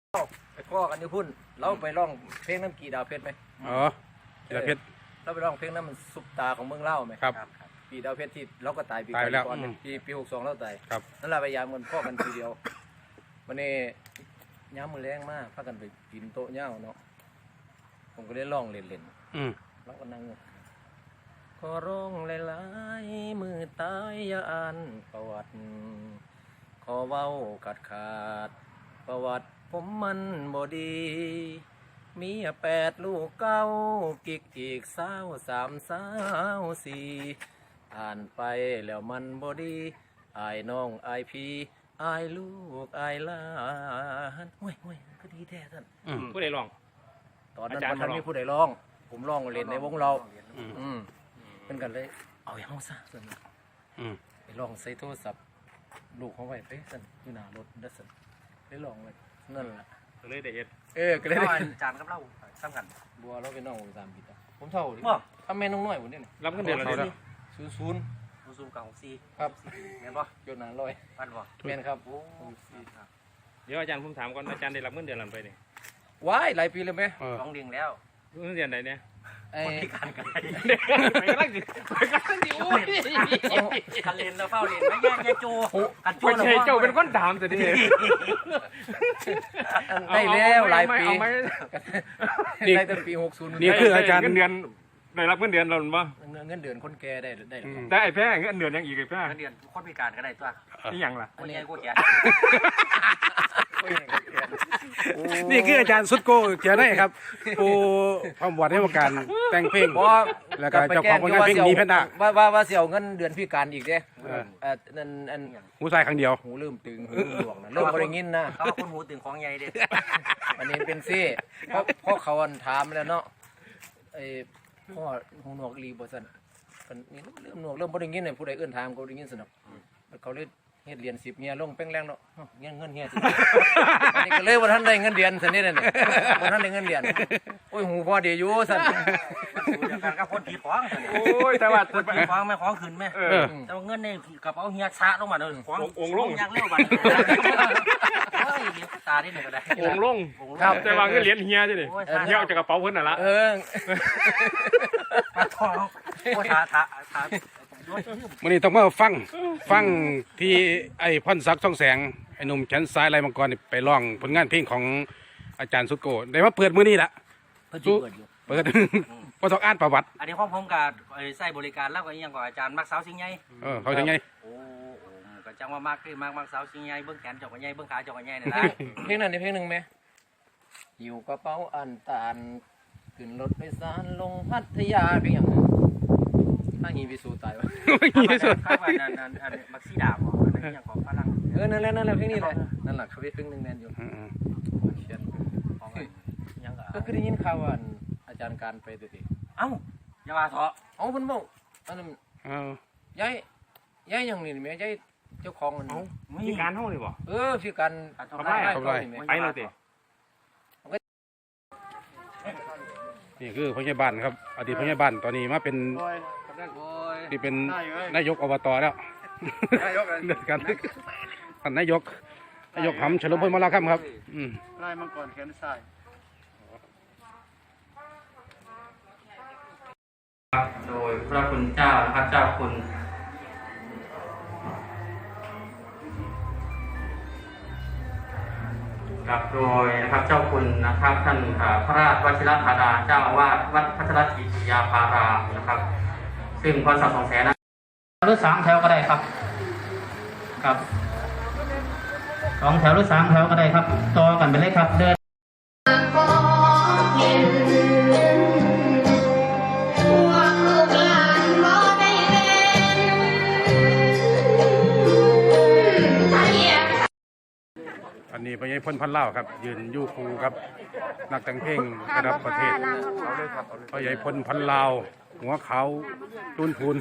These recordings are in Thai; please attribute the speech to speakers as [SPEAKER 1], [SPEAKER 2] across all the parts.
[SPEAKER 1] ไปข้อกันอยู่พุ่นเราไปร้องเพลงน้ำกี่ดาวเพชรไหม
[SPEAKER 2] อ๋อกีดาวเพชร
[SPEAKER 1] เราไปร้องเพลงนั้นมันซุปตาของเมืองเล่าไหม
[SPEAKER 2] ครับ
[SPEAKER 1] กี่ดาวเพชรที่เราก็ตายปีก่อนปี62เราตายนั่นแหละพยายามกันข้อกันทีเดียววันนี้ย้ำมือแรงมากพากันไปกินโต๊ะเน่าเนาะผมก็ได้ร้องเล่นๆเราก็นั่งขอร้องหลายๆมือตายอย่าอ่านประวัติขอเว้าขาดประวัติผมมันบ่ดีมี8 ลูก9กิกอีก24อ่านไปแล้วมันบ่ดีอายน้องอายพี่อายลูกอายหลานห่วยก็ดีแท้ท่าน
[SPEAKER 3] ผู้ใดร้อง
[SPEAKER 1] ตอนนั้นท่านมีผู้ใดร้องผมร้องเล่นในวงเราเป็นกันเลยเอาอย่างเขาซะส่วนไปลองใส่โทรศัพท์ลูกเขาไว้ไปสั่นอยู่หน้ารถดัสันได้ลองเลยนั่นแหละ
[SPEAKER 3] ก็เลยได้เฮ็ด
[SPEAKER 1] ก็เลยได้
[SPEAKER 4] จานกับเราซ้ำกัน
[SPEAKER 1] บัวเราเป็นน้องผม3 ปีผมเท่าดิทำแม่น้องน้อยผมเนี่ย
[SPEAKER 3] รับเงินเดือนแล้ว
[SPEAKER 1] 00
[SPEAKER 4] กับ64
[SPEAKER 1] ครับ
[SPEAKER 4] แม่นบ่
[SPEAKER 1] ยศหนาร้อย
[SPEAKER 4] ปันบ่
[SPEAKER 1] แม่นครับ
[SPEAKER 3] เดี๋ยวอาจารย์ผมถามก่อนอาจารย์ได้รับเงินเดือนหรือไปนี่
[SPEAKER 1] ว้ายหลายปีเลยไหม
[SPEAKER 4] 2 เดือนแล้ว
[SPEAKER 3] เงินเดือนไหนเนี่ย
[SPEAKER 4] คนพิการกัน
[SPEAKER 3] ไปกำลังดิโอ้ย
[SPEAKER 4] คันเล่นแล้วเฝ้าเล่นไม่แย่โจกันโจ
[SPEAKER 3] แล้วเจ้าเป็นคนถามสิดิ
[SPEAKER 1] ได้แล้วหลายปีได้ตั้งปี60
[SPEAKER 2] นี่คืออาจารย์
[SPEAKER 3] เงินเดือนได้รับเงินเดือนเราหรือเปล่า
[SPEAKER 1] เงินเดือนคนแก่ได้
[SPEAKER 3] ได้ไอ้แพ้เงินเดือนยังอีกไอ้แพ้
[SPEAKER 4] เงินเดือนคนพิการก็ได้ตัว
[SPEAKER 3] นี่ยังล่ะ
[SPEAKER 4] คนใหญ่กูแก่
[SPEAKER 2] นี่คืออาจารย์สุดโกเขียนได้ครับผู้ความบวชให้การแต่งเพลงแล้วก็เจ้าของผลงานเพลงนี้เพ่นด่า
[SPEAKER 1] ว่าเสี่ยวเงินเดือนพิการอีกเด้นั่น
[SPEAKER 2] หูใส่ครั้งเดียว
[SPEAKER 1] หูลืมตึงหูหลวงนะเริ่มบริงินนะ
[SPEAKER 4] เขาคนหูตึงของใหญ่เด้
[SPEAKER 1] อันนี้เป็นซี่เพราะเขาถามแล้วเนาะไอ้พ่อหูหนวกรีบ่ซั่นนี่เริ่มหนวกเริ่มบริงินเนี่ยผู้ใดเอื้อนถามก็บริงินสนุกเขาเลยเฮ็ดเหรียญ10เฮียลงแป้งแรงเนาะเงินเฮียอันนี้ก็เลยว่าท่านได้เงินเดือนซั่นนี่น่ะบ่ท่านได้เงินเดือนโอ้ยหูพอดีอยู่ซั่น
[SPEAKER 4] เดียวกันกับคนผีของ
[SPEAKER 3] โอ้ยแต่ว่า
[SPEAKER 4] คนผีของแม่ของขึ้นแม่แต่ว่าเงินในกระเป๋าเฮียซะลงมาเด้อของ
[SPEAKER 3] องค์ลง
[SPEAKER 4] ยักเร็วบัดเฮ้ยเดี๋ยวตาได้หนึ่งก็ได้
[SPEAKER 3] องค์ลงครับแต่ว่าเงินเหรียญเฮียดิเฮียออกจากกระเป๋าเพิ่นน่ะล่ะ
[SPEAKER 4] ปลาทองโอ้ทา
[SPEAKER 2] วันนี้ต้องมาฟังที่ไอ้พ่นศักดิ์ช่องแสงไอ้หนุ่มแขนซ้ายลายมังกรไปร้องผลงานเพลงของอาจารย์สุโกได้มาเปิดมื้อนี้ละเปิดพอต้องอ่านประวัติ
[SPEAKER 4] อันนี้ของผมกับใส่บริการแล้วก็ยังกับอาจารย์มักสาวสิงห์ใหญ่
[SPEAKER 2] เขาสิงห์ใหญ่
[SPEAKER 4] โอ้ก็จังว่ามักสาวสิงห์ใหญ่เบิ้งแขนจอกกันใหญ่เบิ้งขาจอกกันใหญ่นี่นะ
[SPEAKER 1] เพลงนั้นเพลงหนึ่งไหมอยู่กระเป๋าอันตานขึ้นรถโดยสารลงพัทยาเพียงถ้างีไปสู่ตายวะ
[SPEAKER 4] ข้าวนั่นมักซีดาบอันนี้ยังของฝรั่ง
[SPEAKER 1] นั่นแหละเพลงนี้เลยนั่นแหละเขาเพลงหนึ่งแมนอยู่เขียนก็คือได้ยินข่าวว่าอาจารย์การไปตัวที
[SPEAKER 4] เอ้าอย่ามาเถอะ
[SPEAKER 1] เอาเพิ่นบอกอันนั้นย้ายอย่างนี้ไหมย้ายเจ้าของมัน
[SPEAKER 3] มีการเท่าเลยบ่
[SPEAKER 1] พี่การ
[SPEAKER 3] ไปเลยติ
[SPEAKER 2] นี่คือพยาบาลครับอดีตพยาบาลตอนนี้มาเป็นที่เป็นนายกอบตแล้วการท่านนายกหำเฉลิมพลมาแล้วครับ
[SPEAKER 5] ไล่มังกรแขนซ้าย
[SPEAKER 4] โดยพระคุณเจ้านะครับเจ้าคุณครับโดยนะครับเจ้าคุณนะครับท่านพระราชวชิรธาดาเจ้าอาวาสวัดพัชรกิติยาภารามนะครับซึ่งพรศักดิ์2 แสนนะหรือ3 แถวก็ได้ครับครับ2 แถวหรือ3 แถวก็ได้ครับต่อกันไปเลยครับเดิน
[SPEAKER 2] อันนี้พญายพลพันเล่าครับยืนยู่คูครับนักแต่งเพลงระดับประเทศพญายพลพันเล่าหัวเขาตุ้นพูน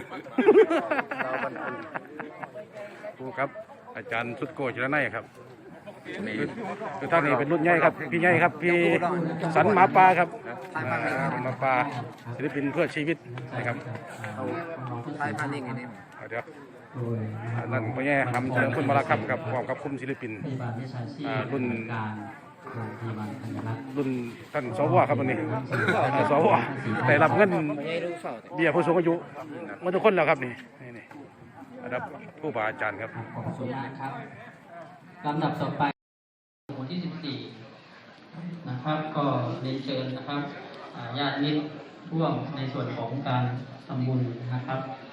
[SPEAKER 2] ครูครับอาจารย์สุดโกจิรนัยครับคือท่านนี้เป็นรุ่นใหญ่ครับพี่ใหญ่ครับพี่สันหมาป่าครับหมาป่าศิลปินเพื่อชีวิตนะครับ
[SPEAKER 1] ไทยพันธุ์ยังไงเนี่ย
[SPEAKER 2] เดี๋ยวนั่นพ่อแย่ทำเฉลิมพลมาลาครับกับพร้อมกับคุมศิลปินรุ่นรุ่นท่านสวครับวันนี้สวได้รับเงินเบี้ยผู้สูงอายุมาทุกคนแล้วครับนี่ระดับผู้บาอาจารย์ครับ
[SPEAKER 4] ขอบคุณมากครับลำดับต่อไปหมู่ที่14นะครับก็เรียนเชิญนะครับญาติมิตรร่วมในส่วนของการทำบุญนะครับ